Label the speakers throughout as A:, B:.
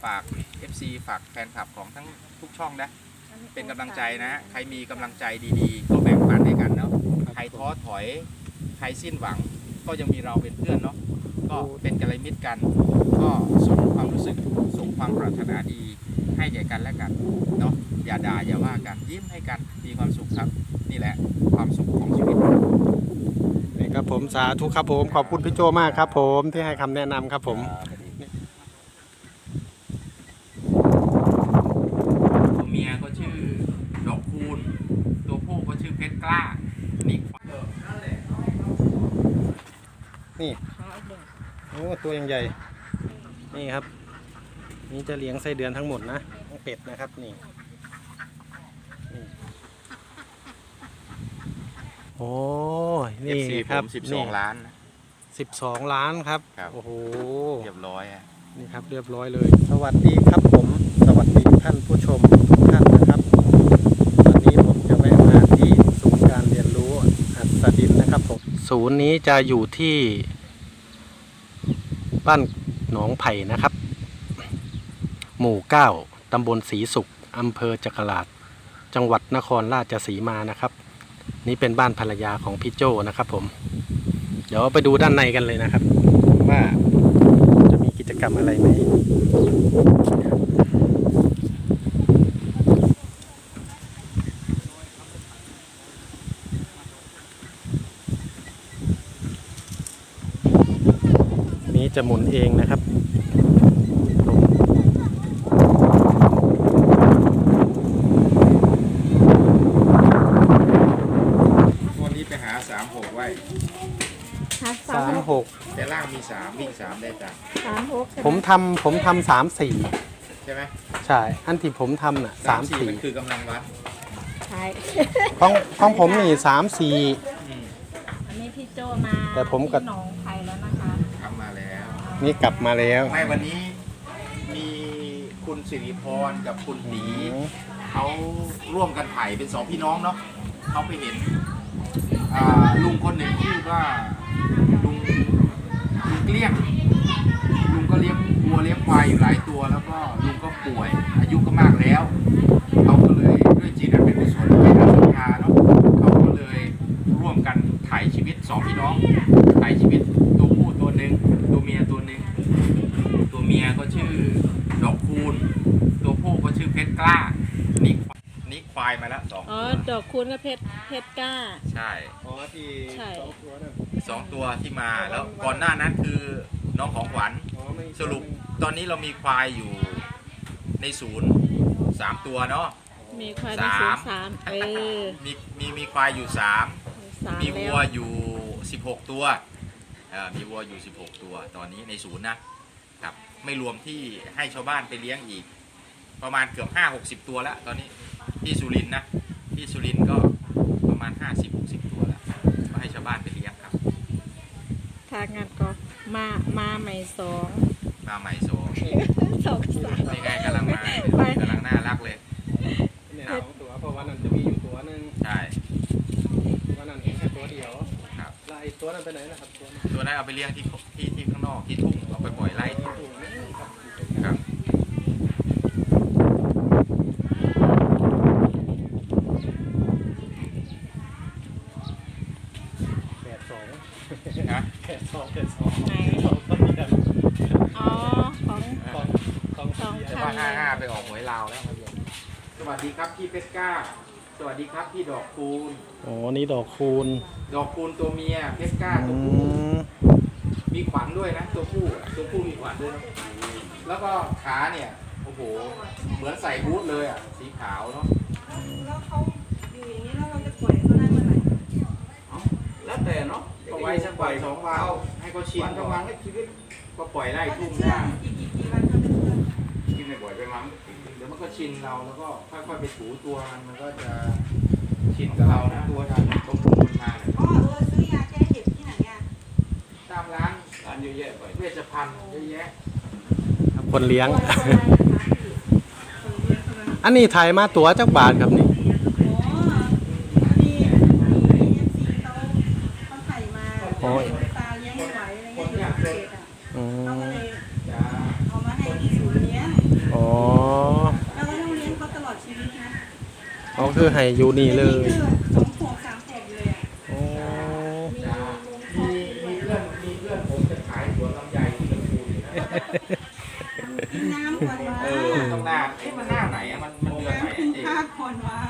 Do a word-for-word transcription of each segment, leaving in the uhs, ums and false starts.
A: ฝาก เอฟ ซี ฝากแฟนคลับของทั้งทุกช่องนะเป็นกำลังใจนะใครมีกำลังใจดีๆก็แบ่งปันให้กันเนาะใครท้อถอยใครสิ้นหวังก็ยังมีเราเป็นเพื่อนเนาะก็เป็นกัลยาณมิตรกันก็ส่งความรู้สึกส่งความปรารถนาดีให้แก่กันและกันเนาะอย่าด่าอย่าว่ากันยิ้มให้กันมีความสุขครับนี่แหละความสุขของชีวิต
B: นี่ครับผมสาธุครับผมขอบคุณพี่โจมากครับผมที่ให้คำแนะนำครับผม
A: ตัวเมียก็ชื่อดอกคูณตัวผู้ก็ชื่อเพชรกล้านี่
B: นี่โอ้ตัวยังใหญ่นี่ครับนี่จะเลี้ยงไส้เดือนทั้งหมดนะเป็ดนะครับนี่โอ้นี่ครับ
A: สิบสองล้าน
B: สิบสองล้านครับ
A: โอ้โหเรียบร้อย
B: นี่ครับเรียบร้อยเลยสวัสดีครับผมสวัสดีท่านผู้ชมทุกท่านนะครับวันนี้ผมจะแวะมาที่ศูนย์การเรียนรู้อัศดินนะครับผมศูนย์นี้จะอยู่ที่บ้านหนองไผ่นะครับหมู่เก้าตำบลศรีสุขอำเภอจักราชจังหวัดนครราชสีมานะครับนี่เป็นบ้านภรรยาของพี่โจนะครับผมเดี๋ยวไปดูด้านในกันเลยนะครับว่าจะมีกิจกรรมอะไรไหมนี้จะหมุนเองนะครับ
A: วันนี้ไปหาสามหกไว้
B: สามหก
A: แต่ล่างมีสามวิ่งสามได้จ้ะ
C: สามหก
B: ผมทำผมทำสามสี่
A: ใช่ไหม
B: ใช่อันที่ผมทำน่ะสามสี่
A: มันคือกำลังวัด
C: ใช่
B: ของของผมนี่สามสี่
C: อันนี้พี่โจมา
B: แต่ผมกับ
C: หนองไผ่แล้วนะคะ
A: ทำมาแล้ว
B: นี่กลับมาแล้ว
A: ไม่วันนี้มีคุณสิริพรกับคุณตีเขาร่วมกันถ่ายเป็นสองพี่น้องเนาะเขาไปเห็นลุงคนหนึ่งชื่อว่าลุงลุงเกลี้ยงลุงก็เลี้ยงวัวเลี้ยงควายอยู่หลายตัวแล้วก็ลุงก็ป่วยอายุก็มากแล้วเขาก็เลยด้วยจิตอันเป็นกุศลเป็นอนุชาเนาะเขาก็เลยร่วมกันถ่ายชีวิตสองพี่น้องถ่ายชีวิตตัวผู้ตัวหนึ่งตัวเมียตัวหนึ่งตัวเมียก็ชื่อดอกคูณตัวผู้ก็ชื่อเพชรกล้านี่นี่ควายมาแล้วสอง
C: อ๋อดอกคูณกับเพชรเพชรกล้า
A: ใช่
B: อ๋อที่สองตัวนั่น
A: สองตัวที่มาแล้วก่อนหน้านั้นคือน้องของขวัญสรุปตอนนี้เรามีควายอยู่ในศูนย์สามตัวเนาะ
C: มีควายในศูนย์สามเออ
A: มีมีมีควายอยู่สามมีวัวอยู่สิบหกตัวเออมีวัวอยู่สิบหกตัวตอนนี้ในศูนย์นะครับไม่รวมที่ให้ชาวบ้านไปเลี้ยงอีกประมาณเกือบห้าหกสิบตัวแล้วตอนนี้ที่สุรินทร์นะที่สุรินทร์ก็ประมาณห้าสิบหกสิบตัวแล้วก็ให้ชาวบ้านไปเลี้ยงครับ
C: ทางงานก็มามาใหม่สอง
A: มาใหม่สอง
C: สองสาม
A: นี่ไงกำลังมากำลังน่ารักเลย
B: เนี่ยสองตัวเพราะว่านั้นจะมีอยู่ตัวหนึ่ง
A: ใช่
B: วันนั้นเห็นแค่ตัวเดียว
A: ครับ
B: แล้วไอ้ตัวนั้นไปไหนนะครับตัวนั้น
A: ตัวนั้นเอาไปเลี้ยงที่ที่ที่ข้างนอกที่ทุ่งเอาไปปล่อยไล่ที่ทุ่งครับ
B: นะแปดสองแปดสองไหน
C: อ๋อของ
B: ของของ
C: สอง
A: พันห้าห้าไปออกหวยลาวแล้วสวัสดีครับพี่เพชรก้าสวัสดีครับพี่ดอกคูณ
B: อ๋อนี่ดอกคูณ
A: ดอกคูณตัวเมียเพชรก้าตัวผู้มีขวัญด้วยนะตัวผู้ตัวผู้มีขวัญด้วยแล้วก็ขาเนี่ยโอ้โหเหมือนใส่บูทเลยอ่ะสีขาวเนาะ
C: แล้วเขาอยู่อย่างนี้แล้วเราจะปล่อยเขาได้เมื่อไหร่
A: แล้วแต่เนาะก็ไว้สักวันสองวันให้เขาชินทั้งวันให้ชีวิตก็ปล่อยไล่ทุ่งได้กินไม่บ่อยไปมั้งเดี๋ยวมันก็ชินเราแล้วก็ค่อยๆไปถูตัวมันมันก็จะชินกับเรานะตัวทางตรงคุณมาเนี่ย
C: อ๋อเออซื้อยาแก้เห็บที่ไหนอ่ะ
A: ตามร้านร้านเยอะแยะไปเวชภัณฑ์เยอะแยะ
B: คนเลี้ยงอันนี้ถ่ายมาตัวจักบาทครับนี่
C: โอ้ยตาเลี้ยงไม่ไหวอะไรเงี้ยอยู่เขตอ่ะเขาก็เลยเอามาให้ที่ศูนย์เลี้ยง
B: คือให้อยู่นี่เลย
D: สองขวบสามขวบเลยอ่ะ
B: โอ้
A: มีมีเพื่อนมีเพื่อนผมจะขายสวนลำไยที่ลำพูนอยู่นะ
D: น้ำก่อนวะ
A: เออต้องหน้าเอ๊ะมันหน้าไหนอะมันมันเดือนไหน
D: น้ำกิน
A: อะเจ๊
D: ข้าวก่อนวะ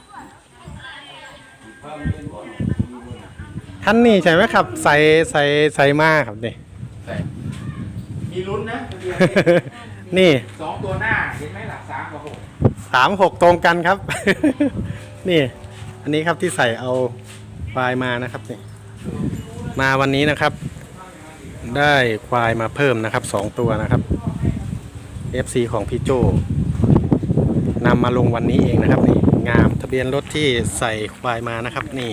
B: ท่านนี่ใช่ไหมครับ ใส่ใส่ใส่มาครับนี่
A: แต่มีลุ้นนะเดือน
B: นี่
A: สองตัวหน้าเห็นไหมล่ะสามกับหก
B: สามหกตรงกันครับ นี่ อันนี้ครับที่ใส่เอาควายมานะครับนี่มาวันนี้นะครับ ได้ควายมาเพิ่มนะครับสองตัวนะครับ เอฟ ซี ของพี่โจนำมาลงวันนี้เองนะครับนี่งามทะเบียนรถที่ใส่ควายมานะครับนี่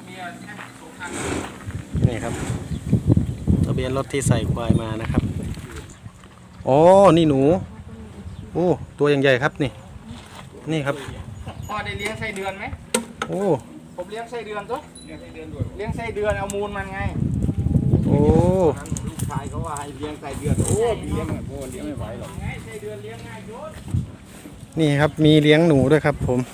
B: นี่ครับทะเบียนรถที่ใส่ควายมานะครับอ๋อนี่หนูโอ้ตัวอย่างใหญ่ครับนี่นี่ครับ
A: พ่อได้เลี้ยงไส้เดือนไหม
B: โอ้
A: ผมเลี้ยงไส้เดือนตัวเลี้ยงไส้เดือนด้วยเลี้ยงไส้เดือนเอามูลมันไง
B: โอ้
A: ลูกชายเขาว่าให้เลี้ยงไส้เดือนโอ้เลี้ยงแบบโอ้เลี้ยงไม่ไหวหรอกไงไส้เดือนเลี้ยงง่ายโยน
B: นี่ครับมีเลี้ยงหนูด้วยครับผม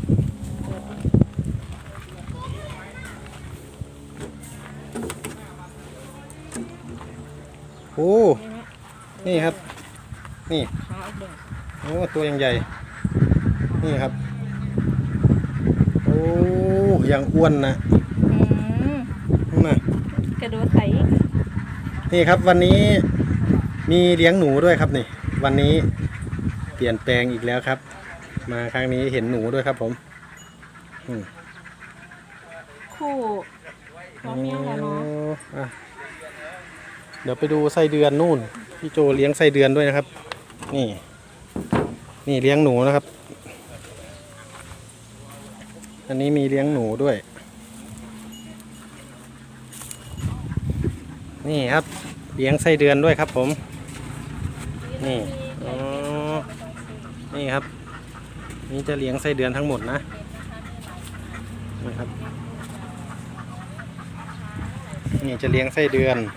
B: โอ้นี่ครับนี่โอ้ตัวยังใหญ่นี่ครับโอ้ยังอ้วนนะ
C: อืม
B: น่ะ
C: กระโดดใส่
B: นี่ครับวันนี้มีเลี้ยงหนูด้วยครับนี่วันนี้เปลี่ยนแปลงอีกแล้วครับ มาครั้งนี้เห็นหนูด้วยครับผมอืม
C: คู่น้องเมียแล้วเนาะ
B: อ่ะเดี๋ยวไปดูไส้เดือนนู่นพี่โจเลี้ยงไส้เดือนด้วยนะครับ นี่ นี่เลี้ยงหนูนะครับ อันนี้มีเลี้ยงหนูด้วย นี่ครับเลี้ยงไส้เดือนด้วยครับผม นี่อ๋อนี่ครับ นี่จะเลี้ยงไส้เดือนทั้งหมดนะนะครับนี่จะเลี้ยงไส้เดือน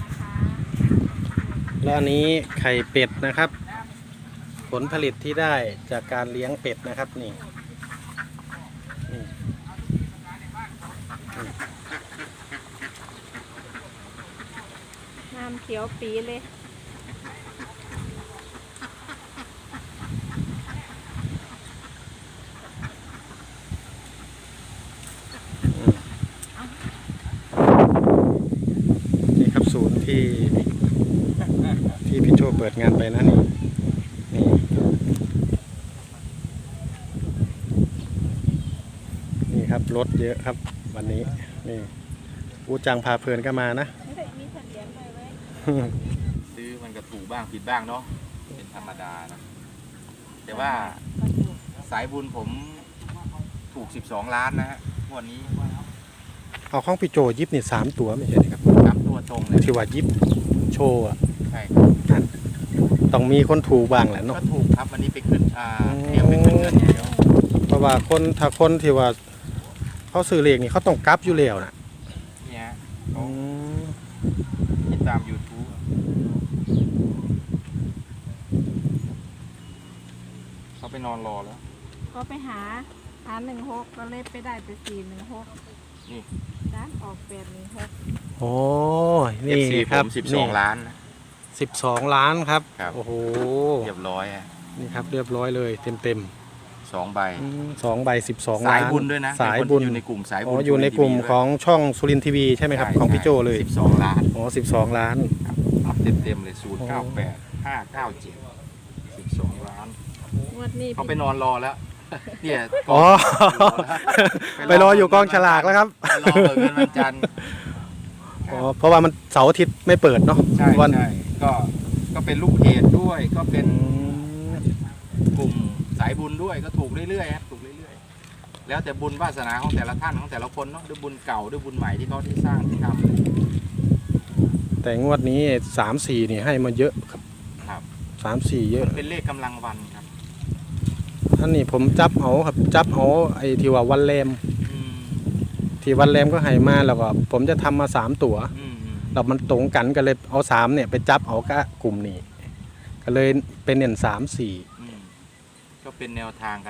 B: แล้วอันนี้ไข่เป็ดนะครับ ผลผลิตที่ได้จากการเลี้ยงเป็ดนะครับนี่นี่
C: น้ำเขียวปีเลย
B: นี่ครับศูนย์ที่ที่พี่โจเปิดงานไปนะนี่นี่นี่ครับรถเยอะครับวันนี้นี่อูจังพาเพลินก็มานะ
C: ไม่ได้มีสัตว์เลี้ยงไปไว้
A: ซื้อมันก็ถูกบ้างผิดบ้างเนาะเป็นธรรมดานะแต่ว่าสายบุญผมถูกสิบสองล้านนะฮะงวดนี้
B: เอาข้องพี่โจยิบนี่สามตัวไม่ใช่ครับ
A: สามตัวตรงเลย
B: ที่ว่ายิบโชว์อ่ะ
A: ใช่ครับ
B: ต้องมีคนถูกบ้างแหละ
A: ก็
B: เนาะ
A: ถูกครับวันนี้ไปขึ้นอ่าเตรียมไปขึ้นเงินอย่างเดียว
B: เพราะว่าคนถ้าคนที่ว่าเขาซื้อเลขนี่เขาต้องกลับอยู่แล้วนะ
A: เนี่ย
B: อืม
A: ติดตาม YouTube เขาไปนอนรอแล้ว
C: ก็ไปหาหาหนึ่งหกก็เลยไปได้แต่สี่หนึ่งหก
A: นี่
C: ด้านออกแปดหนึ่งหก
B: โอ้
A: เอ
B: นี่
A: ฟซี
B: ค
A: ผ
B: รับ
A: มสิบสองล้านนะ
B: สิบสองล้านครับ
A: ครับ
B: โอ้โห
A: เรียบร้อยฮะ
B: นี่ครับเรียบร้อยเลยเต็มเต็ม
A: สองใบ
B: ๆอืมสองใบสิบสอง
A: สา
B: ล้าย น
A: บุญด้วยนะ
B: สาย
A: เป็นคน
B: บุญ
A: ที่อยู่ในกลุ่มสายบุ
B: อ๋
A: ญ
B: ออยู่ในกลุ่มของช่องสุรินทร์ทีวีใช่ไหมครับของพี่โจเลย
A: สิบสองล้าน
B: อ๋อสิบสองล้าน
A: รับเต็มเต็มๆเลยศูนย์เก้าแปดห้าเก้าเจ็ดสิบสองล้าน
C: งวดนี้
A: เขาไปนอนรอแล้ว เนี่ย
B: อ๋อ ไปรออยู่กองฉลากแล้วครับ
A: ไปรอเปิดเงินวันจันทร์
B: อ๋อเพราะว่ามันเสาร์อาทิตย์ไม่เปิดเนาะ
A: ใช่
B: วัน
A: ใช่ก็ก็เป็นลูกเพจด้วยก็เป็น
B: อืม
A: กลุ่มสายบุญด้วยก็ถูกเรื่อยๆครับถูกเรื่อยๆแล้วแต่บุญวาสนาของแต่ละท่านของแต่ละคนเนาะด้วยบุญเก่าด้วยบุญใหม่ที่เขาที่สร้างที่ทำ
B: แต่งวดนี้สามสี่นี่ให้มาเยอะครับ
A: ครับ
B: สามสี่เยอะ
A: เป็นเลขกำลังวันครับ
B: อันนี้ผมจับเอาครับจับเอาไอ้ที่ว่าวันแรม
A: อืม
B: ที่วันแรมก็ให้มาแล้วก็ผมจะทำมาสามตัว
A: อืมอืม
B: แล้วมันตรงกันก็เลยเอาสามเนี่ยไปจับเอากับกลุ่มนี้ก็เลยเป็นเน้นสามสี่
A: อืมก็เป็นแนวทางกันเนาะ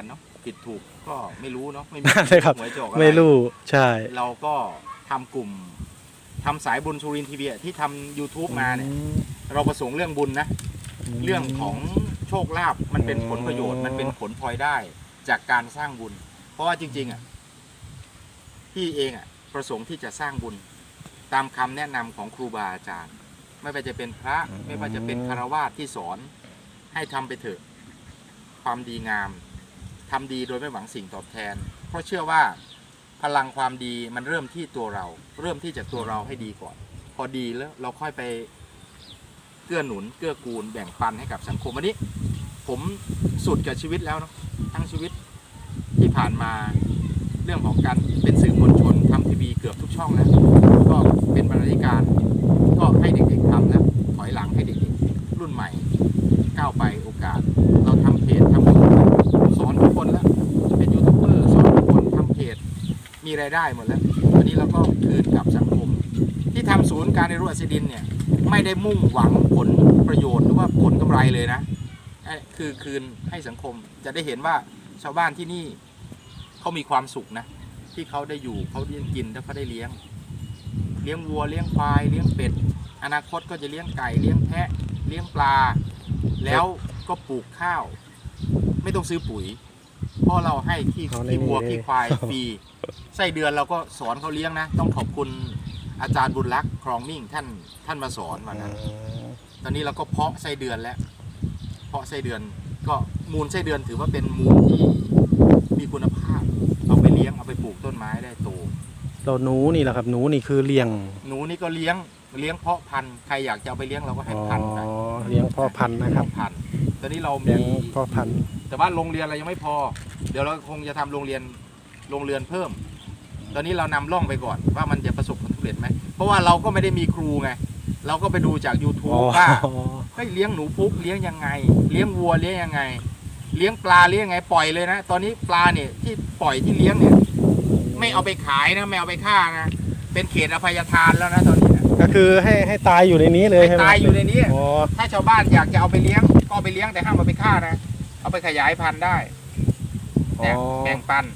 A: ผิดถูกก็ไม่รู้เนาะไม่มี
B: ใช่ครับ
A: หวยจะออกอะ
B: ไม่รู้ใช่
A: เราก็ทำกลุ่มทำสายบุญสุรินทร์ทีวีที่ทำ YouTube มาเนี่ยเราประสงค์เรื่องบุญนะ เรื่องของโชคลาภมันเป็นผลประโยชน์มันเป็นผลพลอยได้จากการสร้างบุญ เพราะว่าจริงๆอ่ะพี่เองอ่ะประสงค์ที่จะสร้างบุญ ตามคำแนะนำของครูบาอาจารย์ ไม่ว่าจะเป็นพระไม่ว่าจะเป็นคฤหัสถ์ที่สอนให้ทำไปเถอะความดีงามทำดีโดยไม่หวังสิ่งตอบแทน เพราะเชื่อว่าพลังความดีมันเริ่มที่ตัวเรา เริ่มที่จากตัวเราให้ดีก่อน พอดีแล้วเราค่อยไปเกื้อหนุนเกื้อกูลแบ่งปันให้กับสังคมวันนี้ ผมสุดกับชีวิตแล้วเนาะทั้งชีวิตที่ผ่านมาเรื่องของการเป็นสื่อมวลชนทำทีวีเกือบทุกช่องแล้วก็เป็นบรรณาธิการก็ให้เด็กๆทำแล้วถอยหลังให้เด็กๆรุ่นใหม่ก้าวไปโอกาส เราทำเพจทำยูทูบสอนทุกคนแล้วเป็นยูทูบเบอร์สอนทุกคนทำเพจมีรายได้หมดแล้ววันนี้เราก็คืนกับสังคมที่ทำศูนย์การเรียนรู้อัศดินเนี่ยไม่ได้มุ่งหวังผลประโยชน์หรือว่าผลกำไรเลยนะคือคืนให้สังคมจะได้เห็นว่าชาวบ้านที่นี่เขามีความสุขนะที่เขาได้อยู่เขาได้กินแล้วเขาได้เลี้ยงเลี้ยงวัวเลี้ยงควายเลี้ยงเป็ดอนาคตก็จะเลี้ยงไก่เลี้ยงแพะเลี้ยงปลาแล้วก็ปลูกข้าวไม่ต้องซื้อปุ๋ยเพราะเราให้ขี้ขี้วัวขี้ควายฟรีไส้เดือนเราก็สอนเขาเลี้ยงนะต้องขอบคุณอาจารย์บุญรักษ์ครองมิ่งท่านท่านมาสอนวันนั้นตอนนี้เราก็เพาะไส้เดือนแล้วเพาะไส้เดือนก็มูลไส้เดือนถือว่าเป็นมูลที่มีคุณภาพเอาไปเลี้ยงเอาไปปลูกต้นไม้ได้โต
B: เราหนูนี่แหละครับหนูนี่คือเลี้ยง
A: หนูนี่ก็เลี้ยงเลี้ยงเพาะพันธุ์ใครอยากจะเอาไปเลี้ยงเราก็ให้พันธุ์ไป
B: อ๋อเลี้ยงพ่อพันธุ์นะครับ
A: พันธุ์ตอนนี้เรา
B: เลี้ย
A: มี
B: งพ่อพันธุ์
A: แต่ว่าโรงเรียนเรายังไม่พอ เดี๋ยวเราคงจะทำโรงเรียนโรงเรียนเพิ่ม ตอนนี้เรานำร่องไปก่อนว่ามันจะประสบผลสำเร็จไหมเพราะว่าเราก็ไม่ได้มีครูไงเราก็ไปดูจาก YouTube ว่าเฮ้ยเลี้ยงหนูพุกเลี้ยงยังไง เลี้ยงวัวเลี้ยงยังไง เลี้ยงปลาเลี้ยงยังไงปล่อยเลยนะตอนนี้ปลาเนี่ยที่ปล่อยที่เลี้ยงเนี่ยไม่เอาไปขายนะไม่เอาไปฆ่านะเป็นเขตอภัยทานแล้วนะตอนนี้นะ
B: ก็คือให้ให้ตายอยู่ในนี้เลยใช่ไหม
A: ตายอยู่ในนี้
B: อ๋อ
A: ถ้าชาวบ้านอยากจะเอาไปเลี้ยงก็เอาไปเลี้ยงแต่ห้ามเอาไปฆ่านะเอาไปขยายพันธุ์ได้เนี่ยแบ่งปัน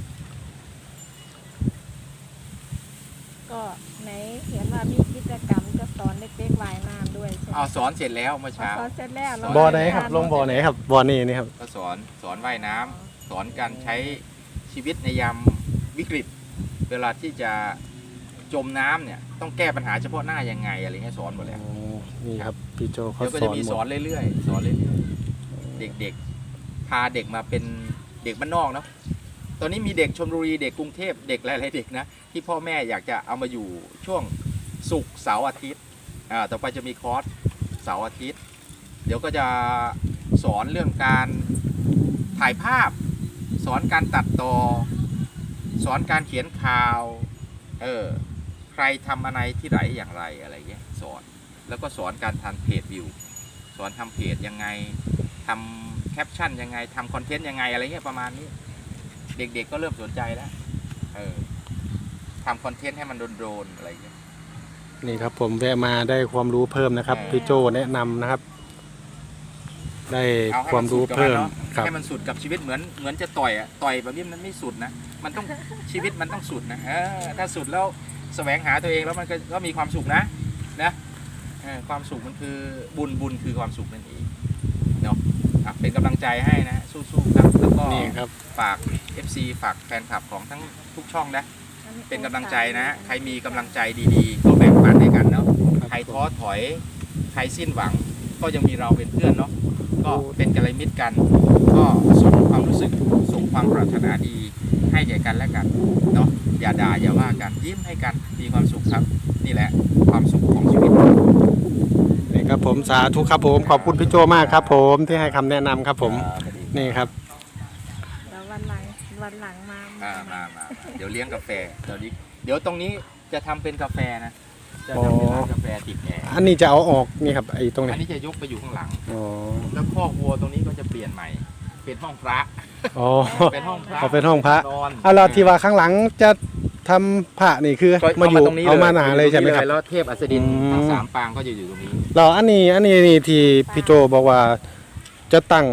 C: ก็ไหนเห็นว่ามีกิจกรรมจะสอนเด็กๆว่ายน้ำด้วยใช่ไหม
A: เอาสอนเสร็จแล้วเมื่อเช้า
C: สอนเสร็จแล้วเรา
B: บ่อไหนครับลงบ่อไหนครับบ่อนี่นี่ครับ
A: ก็สอนสอนว่ายน้ำสอนการใช้ชีวิตในยามวิกฤต เวลาที่จะจมน้ำเนี่ยต้องแก้ปัญหาเฉพาะหน้ายังไงอะไรเงี้ยสอนหมดแล้ว
B: อ๋อนี่ครับพี่โจเขา
A: เดี๋ยวก็
B: ส
A: จะ
B: อน
A: มี
B: หม
A: สอ
B: ด
A: นเรื่อยๆสอนเรื่อยๆเด็กๆพาเด็กมาเป็นเด็กบ้านนอกเนาะตอนนี้มีเด็กชลบุรีเด็กกรุงเทพเด็กหลายๆเด็กนะที่พ่อแม่อยากจะเอามาอยู่ช่วงศุกร์เสาร์อาทิตย์อ่าต่อไปจะมีคอร์สเสาร์อาทิตย์ เดี๋ยวก็จะสอนเรื่องการถ่ายภาพ สอนการตัดต่อสอนการเขียนข่าวเออใครทำอะไรที่ไหนอย่างไรอะไรเงี้ยสอนแล้วก็สอนการทำเพจวิวสอนทำเพจยังไงทำแคปชั่นยังไงทำคอนเทนต์ยังไงอะไรเงี้ยประมาณนี้เด็กๆก็เริ่มสนใจแล้วเออทำคอนเทนต์ให้มันโดนๆอะไรเงี้ย
B: นี่ครับผมแวะมาได้ความรู้เพิ่มนะครับ
A: เออ
B: พี่โจแนะนำนะครับ ได้
A: เอาให้
B: ความ
A: นสุ
B: รู้
A: ดกับ
B: เพิ่ม
A: นนาะ
B: ครับ
A: ให้มันสุดกับชีวิตเหมือนเหมือนจะต่อยอะต่อยแบบนี้มันไม่สุดนะมันต้อง ชีวิตมันต้องสุดนะเออถ้าสุดแล้วแสวงหาตัวเองแล้วมันก็ก็มีความสุขนะนะเออความสุขมันคือบุญบุญคือความสุขนั่นเองเนาะอ่ะเป็นกำลังใจให้นะสู้ๆครับแล้วก็
B: นี่ครับ
A: ฝาก เอฟ ซี ฝากแฟนคลับของทั้งทุกช่องนะเป็นกำลังใจนะใครมีกำลังใจดีๆก็แบ่งปันให้กันเนาะใครท้อถอยใครสิ้นหวังก็ยังมีเราเป็นเพื่อนเนาะก็เป็นกัลยาณมิตรกัน ก็ส่งความรู้สึกส่งความปรารถนาดีให้แก่กันและกันเนาะอย่าด่าอย่าว่ากันยิ้มให้กันมีความสุขครับ นี่แหละความสุขของชีวิต
B: นี่ครับผมสาธุครับผมขอบคุณพี่โจมากครับ ผมที่ให้คำแนะนำครับผมนี่ครับ
C: เดี๋ยววันหลังวันหลังมา
A: มามามาเดี๋ยวเลี้ยงกาแฟเดี๋ยวนี้เดี๋ยวตรงนี้จะทำเป็นกาแฟนะจะ
B: อ๋อ
A: ทำเป็นร้านกาแฟติดแอร์
B: อันนี้จะเอาออกนี่ครับไอ้ตรง
A: อั
B: นี้
A: นนี้จะยกไปอยู่ข้างหลัง
B: อ๋อ
A: แล้วคอกวัวตรงนี้ก็จะเปลี่ยนใหม่เป็นห้องพระ
B: อ๋อ
A: เป็นห้องพระ
B: เอาเป็นห้องพระ
A: นอน
B: เอาเราที่ว่าข้างหลังจะทำพระนี่คือ
A: ก็
B: มาอยู่
A: ตรงนี้
B: เอามาหนาเลยใช่ไหมครับ
A: แล้วเทพอัสดิน
B: อืม
A: ทั้งสามปางก็จะอยู่ตรงนี้
B: เราอันนี้อันนี้นี่ที่พี่โจบอกว่าจะตั้ง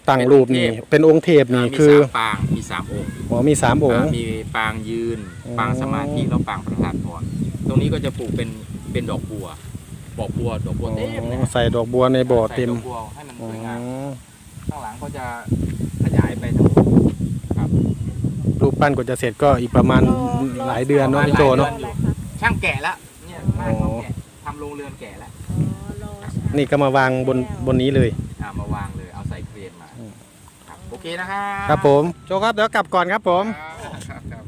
B: ตั้งรูปนี่เป็นองค์เทพนี่
A: มี
B: คือ
A: สามปางมีสามองค์
B: อ๋อมีสามองค์
A: อ่ามีปางยืน
B: อ๋อ
A: ปางสมาธิแล้วปางประธานพรตรงนี้ก็จะปลูกเป็นเป็นดอกบัวดอกบัวดอกบัวเต็มเลย
B: อ๋อใส่ดอกบัวในบ่อเต็ม
A: ใส่ดอกบัวให้มัน
B: อ๋
A: สวยงาม
B: อ
A: ข้างหลังก็จะขยายไปทางนู้นครับ
B: รูปปั้นก็จะเสร็จก็อีกประมาณ
C: รอ
B: หลายเดือนเนาะพี่โจเนาะ
C: รออะไรคะ
A: ช่างแกะแล้วเนี่ยช่างเขาแกะทำโรงเรือนแกะแล้ว
C: อ๋อรอใช่
B: นี่ก็มาวางบนบนนี้เลย
A: อ่ามาวางเลยเอาใส่เครนมา
B: อืม
A: ครับโอเคนะครับ
B: ครับผมโจครับเดี๋ยวกลับก่อนครับผม
A: ครับครับ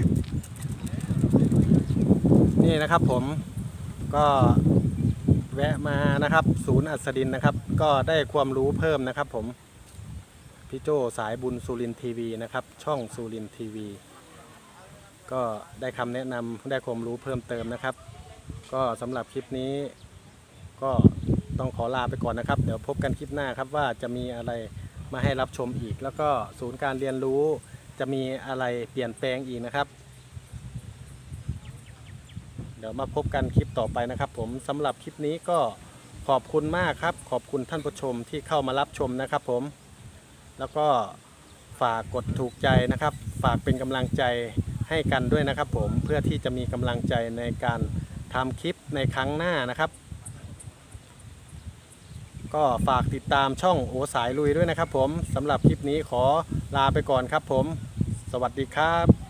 B: นี่นะครับผมก็แวะมานะครับ ศูนย์อัศดินนะครับ ก็ได้ความรู้เพิ่มนะครับ ผมพี่โจสายบุญสุรินทร์ทีวีนะครับ ช่องสุรินทร์ทีวีก็ได้คำแนะนำได้ความรู้เพิ่มเติมนะครับ ก็สำหรับคลิปนี้ก็ต้องขอลาไปก่อนนะครับ เดี๋ยวพบกันคลิปหน้าครับว่าจะมีอะไรมาให้รับชมอีก แล้วก็ศูนย์การเรียนรู้จะมีอะไรเปลี่ยนแปลงอีกนะครับ เดี๋ยวมาพบกันคลิปต่อไปนะครับผมสำหรับคลิปนี้ก็ขอบคุณมากครับขอบคุณท่านผู้ชมที่เข้ามารับชมนะครับผมแล้วก็ฝากกดถูกใจนะครับ ฝากเป็นกำลังใจให้กันด้วยนะครับผมเพื่อที่จะมีกำลังใจในการทำคลิปในครั้งหน้านะครับ ก็ฝากติดตามช่องโอสายลุยด้วยนะครับผมสำหรับคลิปนี้ขอลาไปก่อนครับผมสวัสดีครับ